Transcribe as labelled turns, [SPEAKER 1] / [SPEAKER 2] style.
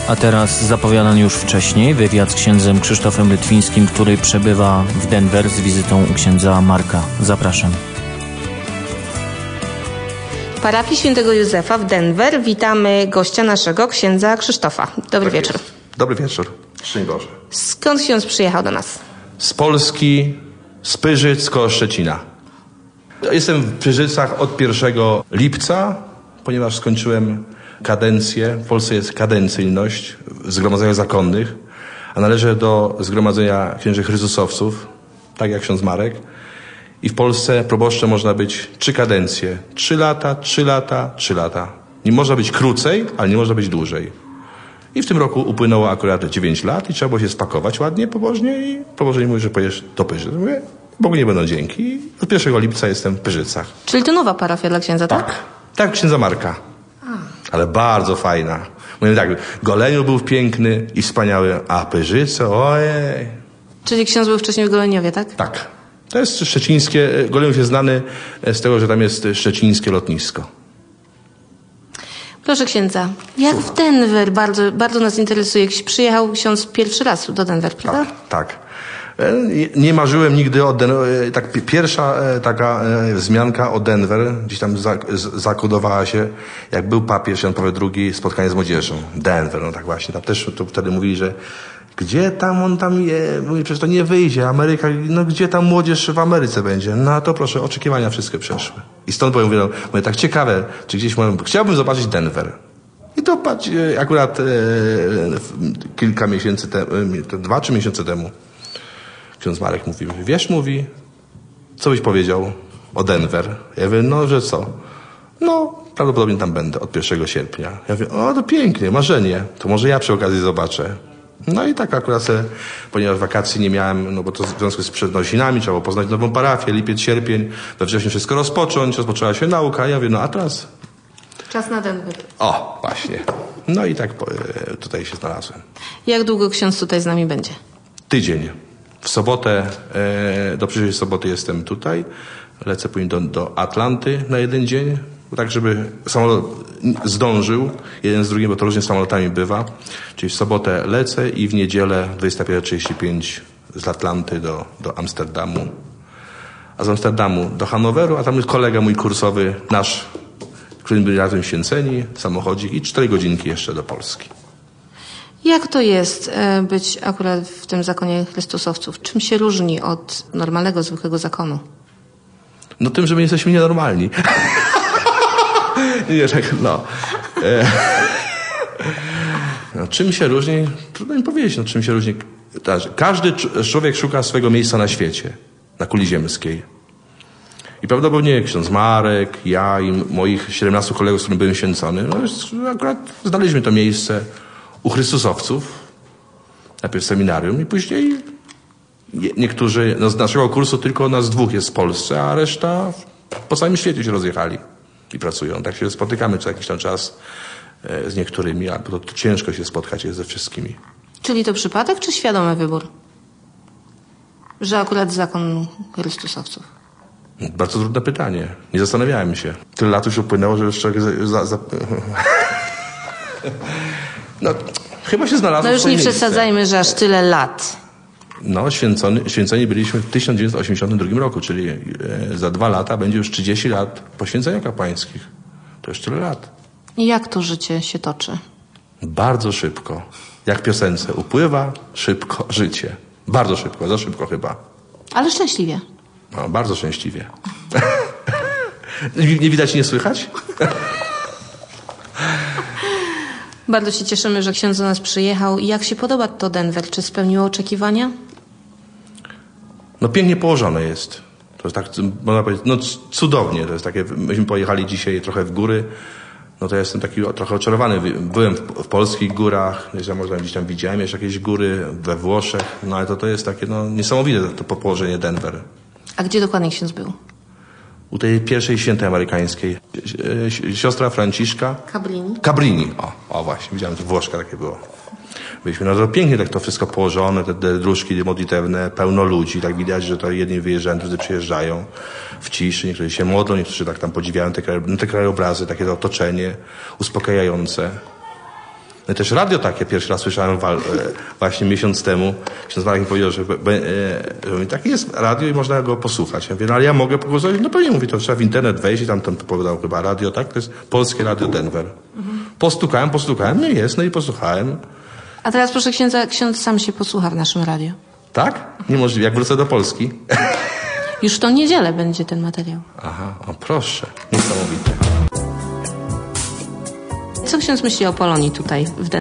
[SPEAKER 1] A teraz zapowiadany już wcześniej wywiad z księdzem Krzysztofem Lytwińskim, który przebywa w Denver z wizytą u księdza Marka. Zapraszam.
[SPEAKER 2] W parafii Świętego Józefa w Denver witamy gościa naszego, księdza Krzysztofa. Dobry wieczór.
[SPEAKER 3] Dobry wieczór. Szczęść Boże.
[SPEAKER 2] Skąd ksiądz przyjechał do nas?
[SPEAKER 3] Z Polski, z Pyrzyc koło Szczecina. Jestem w Pyrzycach od 1 lipca, ponieważ skończyłem kadencję. W Polsce jest kadencyjność w zgromadzeniach zakonnych, a należę do zgromadzenia księży Chrystusowców, tak jak ksiądz Marek. I w Polsce proboszczem można być 3 kadencje. 3 lata, 3 lata, 3 lata. Nie można być krócej, ale nie można być dłużej. I w tym roku upłynęło akurat 9 lat i trzeba było się spakować ładnie, pobożnie i pobożnie mówi, że pojedziesz do Pyrzyc. Mówię, Bogu nie będą dzięki. I od 1 lipca jestem w Pyrzycach.
[SPEAKER 2] Czyli to nowa parafia dla księdza, tak?
[SPEAKER 3] Tak, księdza Marka. Ale bardzo fajna. Mówię tak, Goleniów był piękny i wspaniały, a Pyrzyce, ojej.
[SPEAKER 2] Czyli ksiądz był wcześniej w Goleniowie, tak?
[SPEAKER 3] Tak. To jest szczecińskie, Goleniów jest znany z tego, że tam jest szczecińskie lotnisko.
[SPEAKER 2] Proszę księdza, jak w Denver, bardzo nas interesuje. Przyjechał ksiądz pierwszy raz do Denver, prawda?
[SPEAKER 3] Tak. Nie marzyłem nigdy o Denver. Tak, pierwsza taka wzmianka o Denver gdzieś tam zakodowała się, jak był papież Jan Paweł II, spotkanie z młodzieżą. Denver, no tak właśnie. Tam też to wtedy mówili, że gdzie tam on tam je? Mówi, przecież to nie wyjdzie. Ameryka, no gdzie tam młodzież w Ameryce będzie? No to proszę, oczekiwania wszystkie przeszły. I stąd powiem, mówię, tak ciekawe, czy gdzieś chciałbym zobaczyć Denver. I to patrz, akurat kilka miesięcy temu, 2-3 miesiące temu, ksiądz Marek mówi, co byś powiedział o Denver? Ja mówię, no, że co? No, prawdopodobnie tam będę od 1 sierpnia. Ja mówię, o, to pięknie, marzenie. To może ja przy okazji zobaczę. No i tak akurat, ponieważ wakacji nie miałem, no bo to w związku z przednosinami, trzeba było poznać nową parafię, lipiec, sierpień, we wrześniu wszystko rozpoczęła się nauka. Ja mówię, no a teraz?
[SPEAKER 2] Czas na Denver.
[SPEAKER 3] O, właśnie. No i tak tutaj się znalazłem.
[SPEAKER 2] Jak długo ksiądz tutaj z nami będzie?
[SPEAKER 3] Tydzień. W sobotę, do przyszłej soboty jestem tutaj. Lecę później do Atlanty na 1 dzień, tak żeby samolot zdążył, jeden z drugim, bo to różnie z samolotami bywa. Czyli w sobotę lecę i w niedzielę 21:35 z Atlanty do Amsterdamu. A z Amsterdamu do Hanoweru, a tam jest kolega mój kursowy, nasz, którym byli razem święceni, samochodzik i 4 godzinki jeszcze do Polski.
[SPEAKER 2] Jak to jest być akurat w tym zakonie Chrystusowców? Czym się różni od normalnego, zwykłego zakonu?
[SPEAKER 3] No tym, że my jesteśmy nienormalni. Nie, tak, no. No. Czym się różni? Trudno mi powiedzieć, no, czym się różni. Każdy człowiek szuka swojego miejsca na świecie, na kuli ziemskiej. I prawdopodobnie ksiądz Marek, ja i moich 17 kolegów, z którymi byłem święcony, no akurat znaleźliśmy to miejsce u Chrystusowców, najpierw w seminarium i później niektórzy, no z naszego kursu tylko nas 2 jest w Polsce, a reszta po całym świecie się rozjechali i pracują. Tak się spotykamy co jakiś tam czas z niektórymi, a to ciężko się spotkać jest ze wszystkimi.
[SPEAKER 2] Czyli to przypadek, czy świadomy wybór? Że akurat zakon Chrystusowców?
[SPEAKER 3] Bardzo trudne pytanie. Nie zastanawiałem się. Tyle lat już upłynęło, że jeszcze... No, chyba się znalazło.
[SPEAKER 2] No już nie przesadzajmy, że aż tyle lat.
[SPEAKER 3] No, święceni byliśmy w 1982 roku, czyli za 2 lata będzie już 30 lat poświęcenia kapłańskich. To już tyle lat.
[SPEAKER 2] I jak to życie się toczy?
[SPEAKER 3] Bardzo szybko. Jak w piosence. Upływa szybko życie. Bardzo szybko, za szybko chyba.
[SPEAKER 2] Ale szczęśliwie.
[SPEAKER 3] No, bardzo szczęśliwie. Nie widać, nie słychać?
[SPEAKER 2] Bardzo się cieszymy, że ksiądz do nas przyjechał. I jak się podoba to Denver? Czy spełniło oczekiwania?
[SPEAKER 3] No pięknie położone jest. To jest tak, można powiedzieć, no cudownie. To jest takie, myśmy pojechali dzisiaj trochę w góry. No to ja jestem taki trochę oczarowany. Byłem w polskich górach, może gdzieś tam widziałem jeszcze jakieś góry we Włoszech. No ale to jest takie no, niesamowite to położenie Denver.
[SPEAKER 2] A gdzie dokładnie ksiądz był?
[SPEAKER 3] U tej pierwszej świętej amerykańskiej. Siostra Franciszka. Cabrini. O właśnie, widziałem, to Włoszka takie było. Byliśmy, no to pięknie tak to wszystko położone, te dróżki modlitewne, pełno ludzi, tak widać, że to jedni wyjeżdżają, drudzy przyjeżdżają w ciszy, niektórzy się modlą, niektórzy tak tam podziwiają te krajobrazy, takie to otoczenie uspokajające. No i też radio takie pierwszy raz słyszałem właśnie miesiąc temu. Ksiądz Marek mi powiedział, że takie jest radio i można go posłuchać. Ja mówię, no ale ja mogę posłuchać? No pewnie mówi, to trzeba w internet wejść i tam powiedział chyba radio, tak? To jest Polskie Radio Denver. Postukałem, no i jest, no i posłuchałem.
[SPEAKER 2] A teraz proszę księdza, ksiądz sam się posłucha w naszym radiu.
[SPEAKER 3] Tak? Niemożliwe, jak wrócę do Polski.
[SPEAKER 2] Już w tą niedzielę będzie ten materiał.
[SPEAKER 3] Aha, o proszę, niesamowite.
[SPEAKER 2] Co ksiądz myśli o Polonii tutaj w